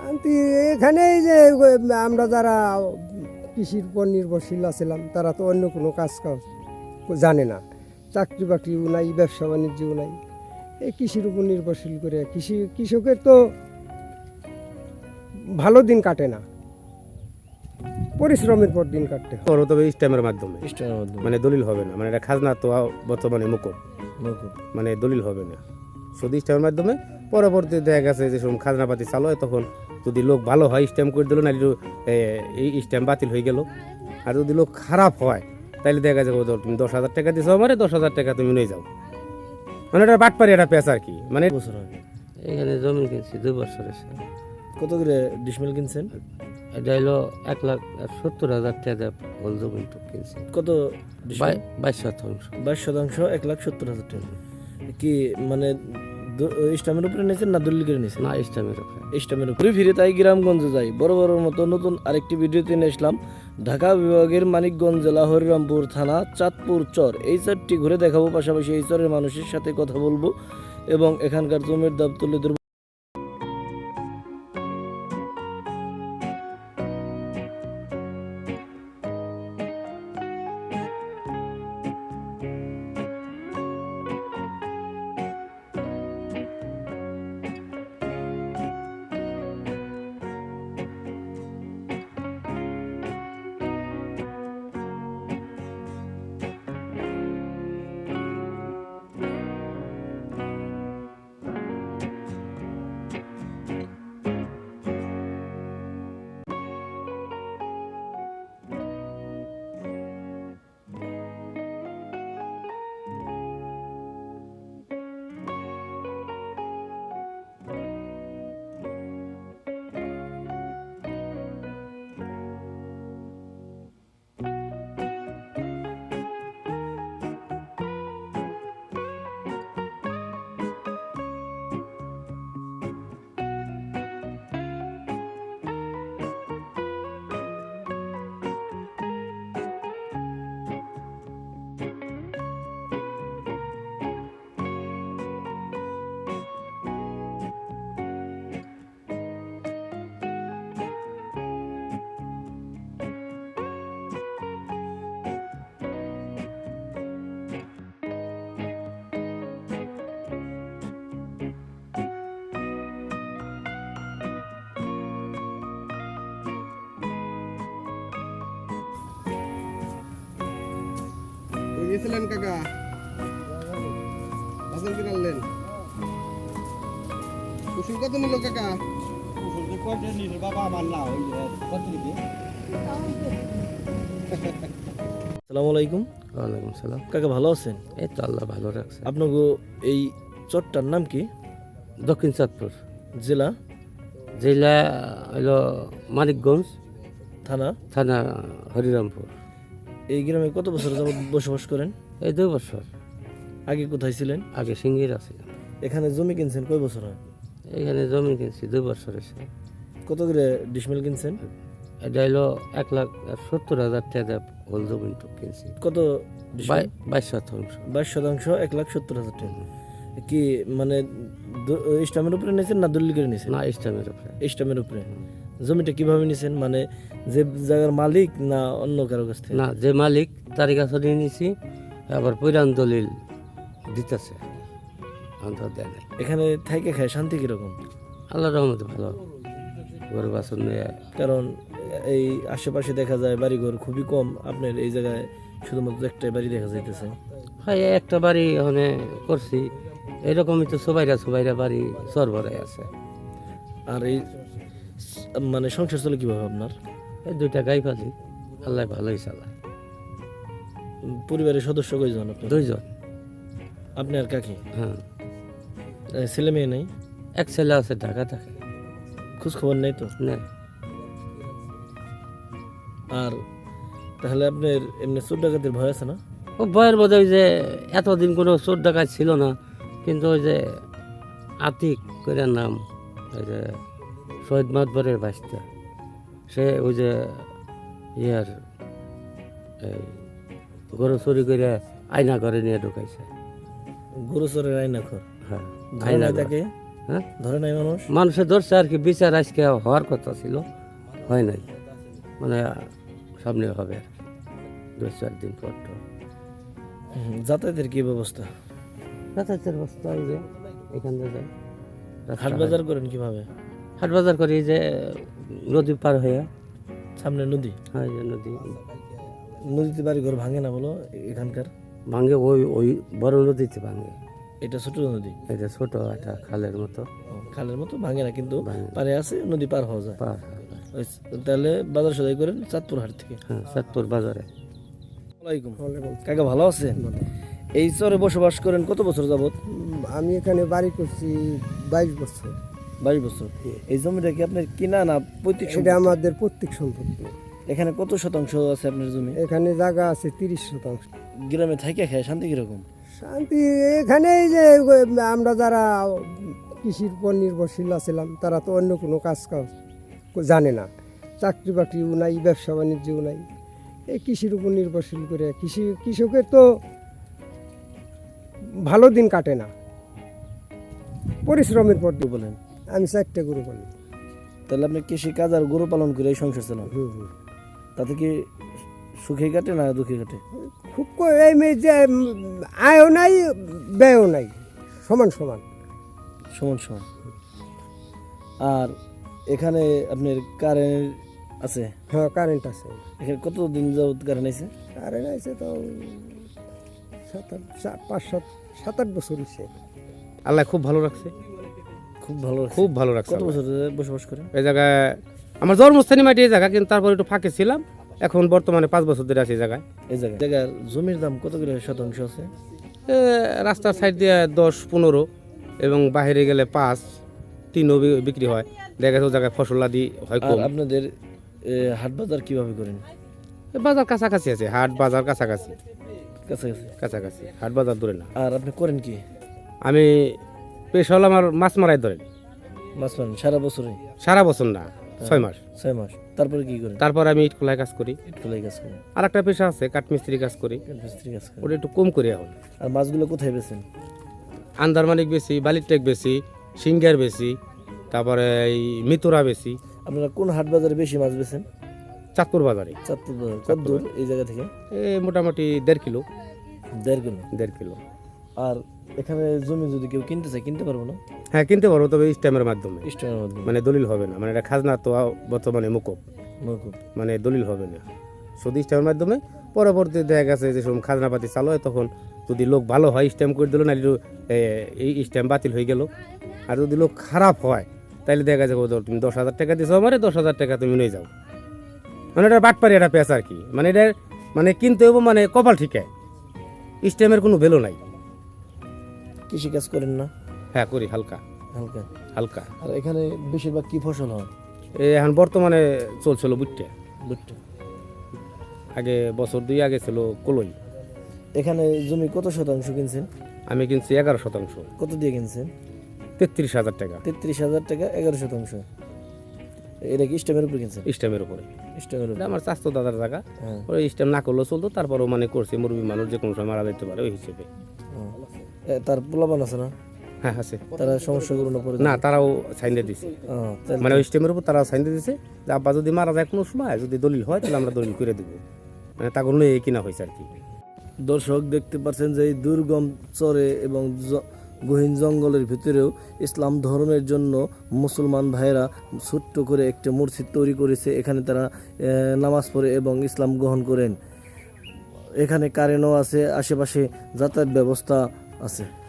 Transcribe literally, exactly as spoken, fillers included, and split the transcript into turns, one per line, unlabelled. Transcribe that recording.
শান্তি এখানে এই যে আমরা যারা কৃষির উপর নির্ভরশীল আছিলাম তারা তো অন্য কোনো কাজ কাজ জানে না, চাকরি বাকরিও নাই, ব্যবসা বাণিজ্যও নাই, এই কৃষির উপর নির্ভরশীল করে কৃষি কৃষকের তো ভালো দিন কাটে না, পরিশ্রমের পর দিন কাটতে হয়।
বড় তবে স্ট্যাম্পের মাধ্যমে,
স্টারের মাধ্যমে
মানে দলিল হবে না, মানে এটা খাজনা তো বর্তমানে মুকুব,
নৌকো।
মানে দলিল হবে না, শুধু স্ট্যাম্পের মাধ্যমে। পরবর্তী দেখা গেছে যে সময় খাজনাপাতি চালু হয় তখন যদি লোক ভালো হয় স্ট্যাম্প করে দিল, না এই স্ট্যাম্প বাতিল হয়ে গেল। আর যদি লোক খারাপ হয় তাহলে দেখা যাবে তুমি দশ হাজার টাকা দিছো আমারে, দশ হাজার টাকা তুমি নিয়ে যাও, মানে এটা বাটপারি একটা পেঁচ আর কি। মানে
বছর হয়
এখানে জমি কিনছি দুই বছর এসে,
কত করে ডিসমেল কিনছেন?
এটা হলো এক লাখ আর সত্তর হাজার টাকা হল জমি তো কিনছি,
কত
বাই- বাইশ শতাংশ।
বাইশ শতাংশ এক লাখ সত্তর হাজার টাকা। কি মানে স্টামের উপরে নিয়েছেন না দলিল করে নিয়েছেন?
না ইসলামের উপরে।
স্টামের উপরে ফিরে তাই গ্রামগঞ্জে যাই বড় বড় মতো নতুন আরেকটি ভিডিওতে নিয়ে আসলাম ঢাকা বিভাগের মানিকগঞ্জ জেলা হরিরামপুর থানা চাঁদপুর চর। এই চরটি ঘুরে দেখাবো, পাশাপাশি এই চরের মানুষের সাথে কথা বলবো এবং এখানকার জমির দাম তুলে ধরবো।
গেছিলেন কাকা, বাজার কিনে আনলেন, কুসুম কত নিল কাকা?
আসসালামু আলাইকুম
ওয়ালাইকুম সালাম।
কাকা, ভালো আছেন?
এই তো আল্লাহ ভালো রাখছে।
আপনাকে এই চরটার নাম কি?
দক্ষিণ চাঁদপুর
জেলা?
জেলা হলো মানিকগঞ্জ,
থানা?
থানা হরিরামপুর।
এই গ্রামে কত বছর যাবত বসবাস করেন?
এই দুই বছর।
আগে কোথায় ছিলেন?
আগে সিঙ্গির আছে।
এখানে জমি কিনছেন কয় বছর হয়?
এখানে জমি কিনছি দুই বছর এসে,
কত করে ডিসমেল কিনছেন?
এটা হলো এক লাখ আর সত্তর হাজার টাকা হল জমি তো কিনছি,
কত ডিসমেল?
বাই- বাইশ শতাংশ।
বাইশ শতাংশ এক লাখ সত্তর হাজার টাকা। কি মানে স্টামের উপরে নিয়েছেন না দলিল করে নিয়েছেন?
না ইসলামের উপরে।
স্টামের উপরে। জমিটা কিভাবে নিয়েছেন, মানে যে জায়গার মালিক না অন্য কারো কাছ থেকে?
না, যে মালিক তার কাছে নিয়ে নিছি, আবার পুরান দলিল দিতেছে, অন্তর দেয় নাই।
এখানে থাইকে খায় শান্তি কিরকম?
আল্লাহ রহমতে ভালো, গরু বাছর নিয়ে।
কারণ এই আশেপাশে দেখা যায় বাড়িঘর খুবই কম, আপনার এই জায়গায় শুধুমাত্র একটাই বাড়ি দেখা যাইতেছে।
হয় একটা বাড়ি ওখানে করছি, এরকমই তো সবাইরা সবাইরা বাড়ি সরবরাহ আছে।
আর এই স- মানে সংসার চলে কিভাবে আপনার?
এই দুইটা গাই পালি, আল্লাহ ভালোই চালায়।
উম, পরিবারের সদস্য কয়জন আপনার?
দুইজন।
আপনি আর কাকি?
হ্যাঁ,
এ, ছেলে মেয়ে নেই?
এক ছেলে আছে ঢাকা থাকে।
খোঁজ খবর নেই তো?
না,
আর তাহলে আপনার এমনি চোর ডাকাতের ভয় আছে না?
ও বয়ের বোধ ওই যে এতদিন কোনো চোর ডাকাত ছিল না, কিন্তু ওই যে আতিক করে নাম, ওই যে শহীদ মাতবরের বাস্তা, সে ওই যে ইয়ার এই গরু চুরি করে আয়না ঘরে নিয়ে ঢুকাইছে।
গরু চোরের আইনা খর?
হ্যাঁ,
ধরে
আয়না
নাই
ঘর।
তাকে?
হ্যাঁ
ধরে নাই মানুষ?
মানুষে ধরছে আর কি, বিচার আজকে হওয়ার কথা ছিল, হয় নাই, মানে সামনে হবে আর কি, দু চার দিন পর তো।
হুম, যাতায়াতের কি ব্যবস্থা?
যাতায়াতের বস্তা এই যে এখান থেকে যায়,
হাট বাজার করেন কিভাবে?
হাট বাজার করি এই যে নদী পার হয়ে,
সামনে নদী,
হয় যে নদী
নদীতে বাড়ি ঘর ভাঙে না বলো এখানকার?
ভাঙে, ওই ওই বড় নদীতে ভাঙে,
এটা ছোট নদী,
এটা ছোট একটা খালের মতো
ও, খালের মতো ভাঙে না, কিন্তু
ভাঙে।
পারে আছে, নদী পার হওয়া যায়।
পার হয়।
ওই, তাহলে বাজার সদাই করেন চাঁদপুর হাট থেকে।
হ্যাঁ চাঁদপুর বাজারে।
আসসালামাইকুম কাকা, ভালো আছেন? এই চরে বসবাস করেন কত বছর যাবত?
উম, আমি এখানে বাড়ি করছি বাইশ বছর।
বাইশ বছর। এই জমিটা কি আপনার কিনা না পৈতৃক
এটা
সম্পত্তি?
আমাদের প্রত্যেক সম্পত্তি।
এখানে কত শতাংশ আছে আপনার জমি?
এখানে জায়গা আছে তিরিশ শতাংশ।
গ্রামে থাকে খায় শান্তি কিরকম?
শান্তি এখানে এই যে আমরা যারা কৃষির উপর নির্ভরশীল আছিলাম তারা তো অন্য কোনো কাজ কাজ জানে না, চাকরি বাকরিও নাই, ব্যবসা বাণিজ্যও নাই, এই কৃষির উপর নির্ভরশীল করে কৃষি কৃষকের তো ভালো দিন কাটে না, পরিশ্রমের পর
কি বলেন?
আমি চারটে গরু বলি।
তাহলে আপনি কৃষি কাজ আর গরু পালন করে এই সংসার চালান,
হুম হুম।
তাতে কি সুখে কাটে না দুঃখে কাটে?
খুব ক- এই মে- যে উম, আয়ও নাই ব্যয়ও নাই, সমান সমান।
সমান সমান। আর এখানে আপনার কারেন্ট আছে?
হ্যাঁ কারেন্ট আছে,
এখানে কতদিন যাবত কারেন্ট আছে?
কারেন্ট আছে তো সাত আট সা- পাঁচ সাত সাত আট বছর হচ্ছে।
আল্লাহ খুব ভালো রাখছে,
খুব ভালো লাগছে।
খুব ভালো রাখছে
কত
আল্লাহ।
বছর ধরে বসবাস করেন?
এই জায়গায় আমার জন্মস্থানী মাটি এই জায়গা, কিন্তু তারপর একটু ফাঁকে ছিলাম, এখন বর্তমানে পাঁচ বছর ধরে আছি এই জায়গায়।
এই জায়গায় জায়গার জমির দাম কত করে শতাংশ আছে?
এ, রাস্তার সাইড দিয়ে দশ পনেরো এবং বাইরে গেলে পাঁচ তিনও বি- বিক্রি হয়। দেখা গেছে ও জায়গায় ফসল আদি হয়
আর
কম।
আপনাদের এ, হাট বাজার কিভাবে করেন?
এ, বাজার কাছাকাছি আছে, হাট বাজার কাছাকাছি,
কাছাকাছি।
কাছাকাছি হাট বাজার দূরে না।
আর আপনি করেন কি?
আমি পেশ হলাম আমার মাছ মারাই ধরেন,
মাছ মারেন সারা বছরে?
সারা বছর না, ছয় মাস।
ছয় মাস। তারপরে কি করেন?
তারপর আমি ইট খোলায় কাজ করি,
একটু লাই কাজ করেন,
আর একটা পেশা আছে কাঠমিস্ত্রি কাজ করি,
মিস্ত্রি কাজ করেন।
ওটা একটু কম করি এখন।
আর মাছগুলো কোথায় বেছেন?
আন্দারমানিক বেশি, বালির টেক বেশি, সিঙ্গার বেশি, তারপরে এই মিতুরা বেশি।
আপনারা কোন হাট বাজারে বেশি মাছ বেছেন?
চাঁদপুর বাজারে
চাঁদপুর বাজার। কত দূর এই জায়গা থেকে?
এ মোটামুটি দেড় কিলো,
দেড় কিলো।
দেড় কিলো।
আর এখানে জমি যদি কেউ কিনতে চায় কিনতে পারবো না?
হ্যাঁ কিনতে পারবো, তবে স্ট্যাম্পের মাধ্যমে,
স্টোনের মাধ্যমে।
মানে দলিল হবে না, মানে এটা খাজনা তো বর্তমানে মুকুব,
মৌকুব।
মানে দলিল হবে না, শুধু স্ট্যাম্পের মাধ্যমে। পরবর্তী দেখা গেছে যে সব খাজনাপাতি চালু হয়, তখন যদি লোক ভালো হয় স্ট্যাম্প করে দিল, না এই স্ট্যাম্প বাতিল হয়ে গেল। আর যদি লোক খারাপ হয় তাহলে দেখা যাবে ধর তুমি দশ হাজার টাকা দিছো আমারে, দশ হাজার টাকা তুমি নিয়ে যাও, মানে এটা বাটপারি একটা পেঁচ আর কি। মানে এটা মানে কিনতে হবো, মানে কপাল ঠিক স্ট্যাম্পের কোনো ভ্যালু নাই।
কৃষি কাজ করেন না?
হ্যাঁ করি, হালকা
হালকা।
হালকা।
আর এখানে বেশিরভাগ কি ফসল হয়?
এই এখন বর্তমানে চলছিল বুটটা,
ভুট্টা।
আগে বছর দুই আগে ছিল কলই।
এখানে জমি কত শতাংশ কিনছেন?
আমি কিনছি এগারো শতাংশ,
কত দিয়ে কিনছেন?
তেত্রিশ হাজার টাকা
তেত্রিশ হাজার টাকা, এগারো শতাংশ। এটা কি স্টেমের উপরে কিনছেন?
স্ট্যাম্পের উপরে।
স্টেমের
এটা
উপরে।
আমার স্বাস্থ্য দাদার জায়গা,
হ্যাঁ।
ওই স্ট্যাম্প না করলেও চলতো, তারপরও মানে করছে, মুরবি মানুষ যে কোনো সময় মারা যেতে পারে ওই হিসেবে।
হ্যাঁ। এ, তার পোলাপান আছে না?
হ্যাঁ আছে।
তারা সমস্যাগুলো না পড়ে?
না তারাও সাইন দিয়ে দিছে,
ও, তাহলে-
মানে ওই স্ট্যাম্পের উপর তারাও সাইন দিয়ে দিছে যে আব্বা যদি মারা যায় কোনো সময়, যদি দলিল হয় তাহলে আমরা দলিল করে দেবো, মানে তা কোনো এই কিনা হয়েছে আর কি।
দর্শক দেখতে পাচ্ছেন যে এই দুর্গম চরে এবং জ- গহীন জঙ্গলের ভিতরেও ইসলাম ধর্মের জন্য মুসলমান ভাইয়েরা ছোট্ট করে একটা মসজিদ তৈরি করেছে। এখানে তারা আহ, নামাজ পড়ে এবং ইসলাম গ্রহণ করেন। এখানে কারেন্টও আছে, আশেপাশে যাতায়াত ব্যবস্থা আছে।